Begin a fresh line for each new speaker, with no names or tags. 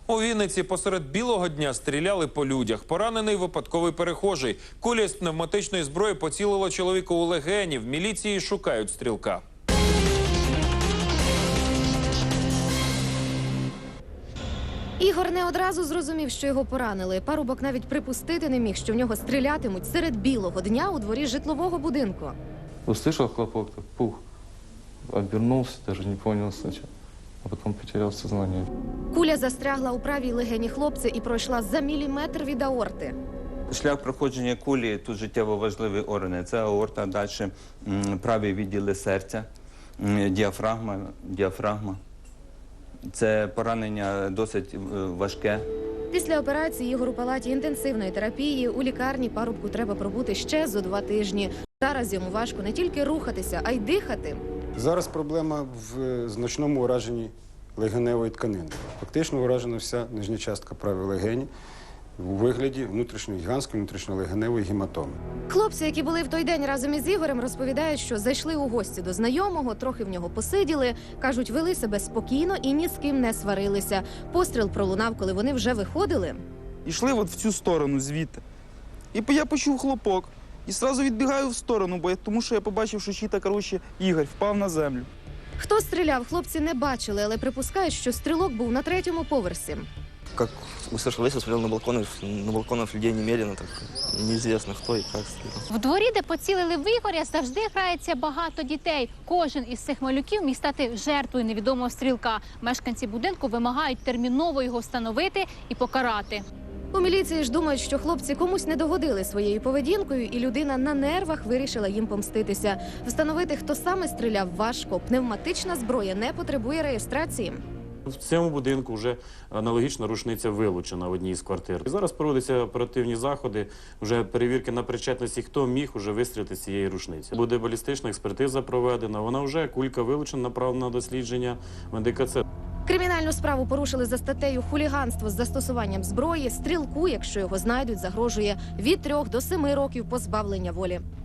У Вінниці посеред білого дня стріляли по людях. Поранений випадковий перехожий. Куля з пневматичної зброї поцілила чоловіку у легені. В міліції шукають стрілка.
Ігор не одразу зрозумів, що його поранили. Парубок навіть припустити не міг, що в нього стрілятимуть серед білого дня у дворі житлового будинку.
Услышал хлопок, так пух. Обернулся, даже не понял сначала, а потом потерял сознание.
Куля застрягла у правій легені хлопця і пройшла за міліметр від аорти.
Шлях проходження кулі тут життєво важливі органи. Це аорта, далі праві відділи серця, діафрагма. Це поранення досить важке.
Після операції Ігор у палаті інтенсивної терапії. У лікарні парубку треба пробути ще зо 2 тижні. Зараз йому важко не тільки рухатися, а й дихати.
Зараз проблема в значному ураженні легеневої тканини. Фактично уражена вся нижня частка правої легені у вигляді гігантської внутрішньолегеневої гематоми.
Хлопці, які були в той день разом із Ігорем, розповідають, що зайшли у гості до знайомого, трохи в нього посиділи. Кажуть, вели себе спокійно і ні з ким не сварилися. Постріл пролунав, коли вони вже виходили.
Ішли от в цю сторону звідти. І я почув хлопок. І одразу відбігаю в сторону, тому що я побачив, що чита, Ігор впав на землю.
Хто стріляв, хлопці не бачили, але припускають, що стрілок був на 3-му поверсі.
Как услышал выстрел, смотрел на балконах людей немедленно, так неизвестно, хто і як стріляв.
В дворі, де поцілили в Ігоря, завжди грається багато дітей. Кожен із цих малюків міг стати жертвою невідомого стрілка. Мешканці будинку вимагають терміново його встановити і покарати.
У міліції ж думають, що хлопці комусь не догодили своєю поведінкою, і людина на нервах вирішила їм помститися. Встановити, хто саме стріляв, важко. Пневматична зброя не потребує реєстрації.
В цьому будинку вже аналогічна рушниця вилучена в одній з квартир. І зараз проводяться оперативні заходи, вже перевірки на причетності, хто міг уже вистрілити з цієї рушниці. Буде балістична експертиза проведена, вона вже, кулька вилучена, направлена на дослідження в НДКЦ.
Кримінальну справу порушили за статтею «Хуліганство з застосуванням зброї». Стрілку, якщо його знайдуть, загрожує від 3 до 7 років позбавлення волі.